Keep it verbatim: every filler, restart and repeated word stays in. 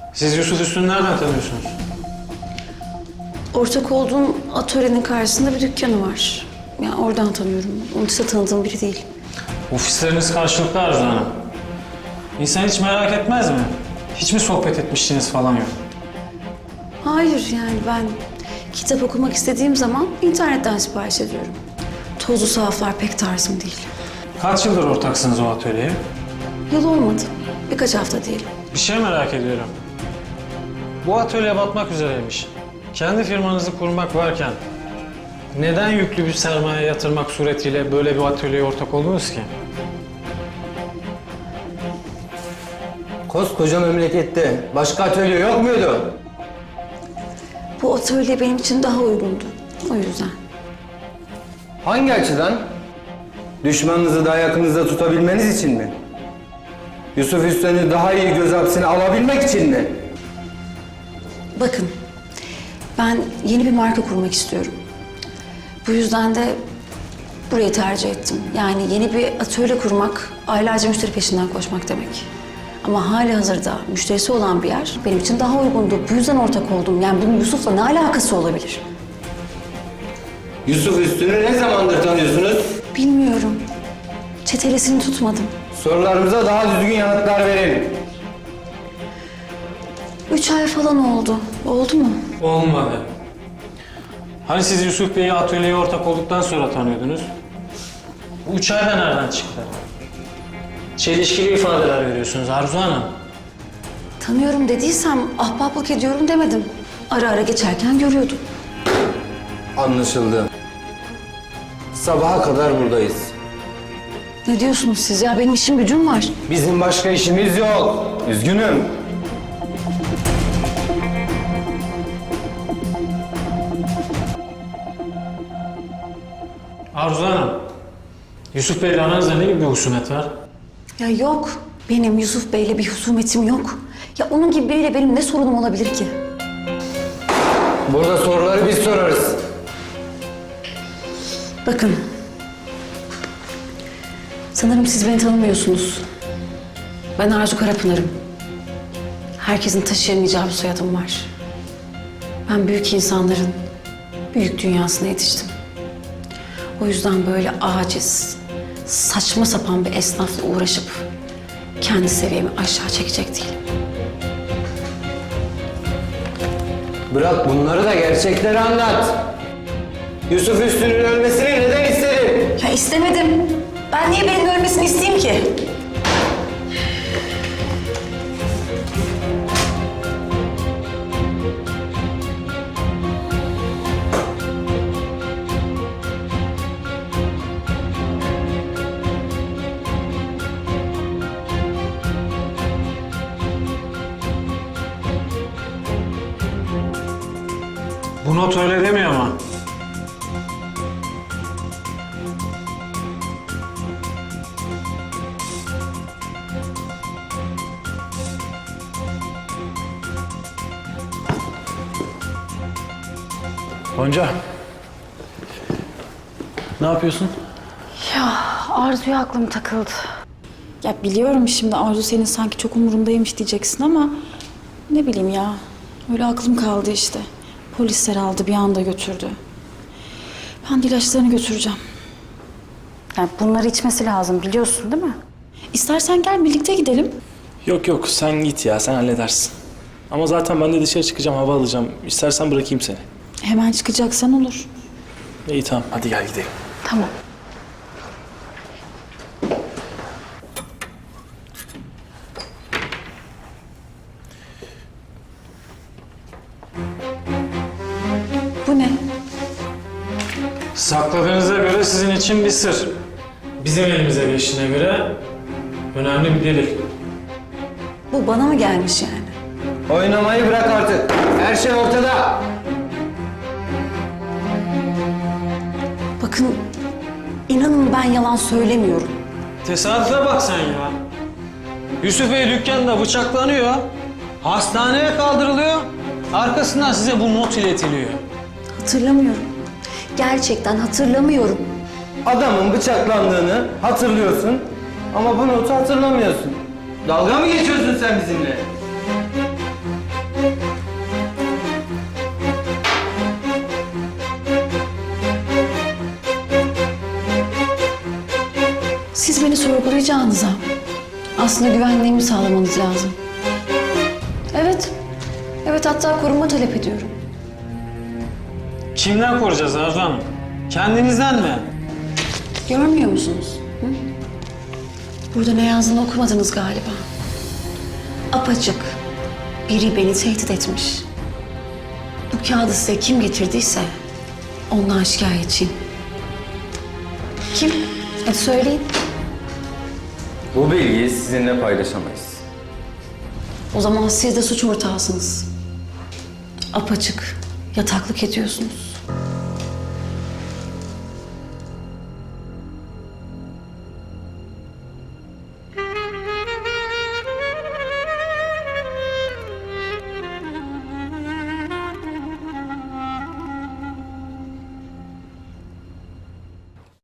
Siz Yusuf Üstün'ü nereden tanıyorsunuz? Ortak olduğum atölyenin karşısında bir dükkanı var. Yani oradan tanıyorum. Onun dışında tanıdığım biri değil. Ofisleriniz karşılıklı Arzu Hanım. İnsan hiç merak etmez mi? Hiç mi sohbet etmiştiniz falan yok? Hayır, yani ben kitap okumak istediğim zaman internetten sipariş ediyorum. Tozlu sahaflar pek tarzım değil. Kaç yıldır ortaksınız o atölyeye? Yıl olmadı. Birkaç hafta değil. Bir şey merak ediyorum. Bu atölye batmak üzereymiş. Kendi firmanızı kurmak varken neden yüklü bir sermaye yatırmak suretiyle böyle bir atölyeye ortak oldunuz ki? Koskoca memlekette başka atölye yok muydu? Bu atölye benim için daha uygundu. O yüzden. Hangi açıdan? Düşmanınızı daha yakınızda tutabilmeniz için mi? Yusuf Üsten'i daha iyi göz hapsine alabilmek için mi? Bakın, ben yeni bir marka kurmak istiyorum. Bu yüzden de burayı tercih ettim. Yani yeni bir atölye kurmak, aylarca müşteri peşinden koşmak demek. Ama hali hazırda müşterisi olan bir yer benim için daha uygundu. Bu yüzden ortak oldum. Yani bunun Yusuf'la ne alakası olabilir? Yusuf Üstün'ü ne zamandır tanıyorsunuz? Bilmiyorum. Çetelesini tutmadım. Sorularımıza daha düzgün yanıtlar verin. Üç ay falan oldu. Oldu mu? Olmadı. Hani siz Yusuf Bey'i atölyeye ortak olduktan sonra tanıyordunuz? Bu üç ayda nereden çıktı? Çelişkili ifadeler veriyorsunuz Arzu Hanım. Tanıyorum dediysem ahbaplık ediyorum demedim. Ara ara geçerken görüyordum. Anlaşıldı. Sabaha kadar buradayız. Ne diyorsunuz siz ya? Benim işim gücüm var. Bizim başka işimiz yok. Üzgünüm. Arzu Hanım, Yusuf Bey'le aranızda ne gibi bir husumet var? Ya yok. Benim Yusuf Bey'le bir husumetim yok. Ya onun gibi biriyle benim ne sorunum olabilir ki? Burada soruları biz sorarız. Bakın. Sanırım siz beni tanımıyorsunuz. Ben Arzu Karapınar'ım. Herkesin taşıyamayacağı bir soyadım var. Ben büyük insanların büyük dünyasına yetiştim. O yüzden böyle aciz, saçma sapan bir esnafla uğraşıp kendi seviyemi aşağı çekecek değilim. Bırak bunları da gerçekleri anlat. Yusuf Üstün'ün ölmesini neden istedin? Ya istemedim. Ben niye birinin ölmesini isteyeyim ki? Bu not öyle demiyor ama. Gonca. Ne yapıyorsun? Ya Arzu'ya aklım takıldı. Ya biliyorum şimdi Arzu senin sanki çok umurundaymış diyeceksin ama ne bileyim ya. Öyle aklım kaldı işte. Polisler aldı bir anda götürdü. Ben de ilaçlarını götüreceğim. Yani bunları içmesi lazım biliyorsun değil mi? İstersen gel birlikte gidelim. Yok yok sen git ya sen halledersin. Ama zaten ben de dışarı çıkacağım hava alacağım. İstersen bırakayım seni. Hemen çıkacaksan olur. İyi tamam hadi gel gidelim. Tamam. Bu ne? Sakladığınıza göre sizin için bir sır. Bizim elimize geçtiğine göre önemli bir delil. Bu bana mı gelmiş yani? Oynamayı bırak artık. Her şey ortada. Bakın, inanın ben yalan söylemiyorum. Tesadüfe bak sen ya. Yusuf Bey dükkanda bıçaklanıyor. Hastaneye kaldırılıyor. Arkasından size bu not iletiliyor. Hatırlamıyorum. Gerçekten hatırlamıyorum. Adamın bıçaklandığını hatırlıyorsun ama bu notu hatırlamıyorsun. Dalga mı geçiyorsun sen bizimle? sorgulayacağınıza aslında güvenliğimi sağlamanız lazım. Evet, evet hatta koruma talep ediyorum. Kimden koruyacağız Arzu Hanım? Kendinizden mi? Görmüyor musunuz? Hı? Burada ne yazdığını okumadınız galiba. Apaçık. Biri beni tehdit etmiş. Bu kağıdı size kim getirdiyse ondan şikayetçiyim. Kim? Hadi söyleyin. Bu bilgiyi sizinle paylaşamayız. O zaman siz de suç ortağısınız. Apaçık yataklık ediyorsunuz.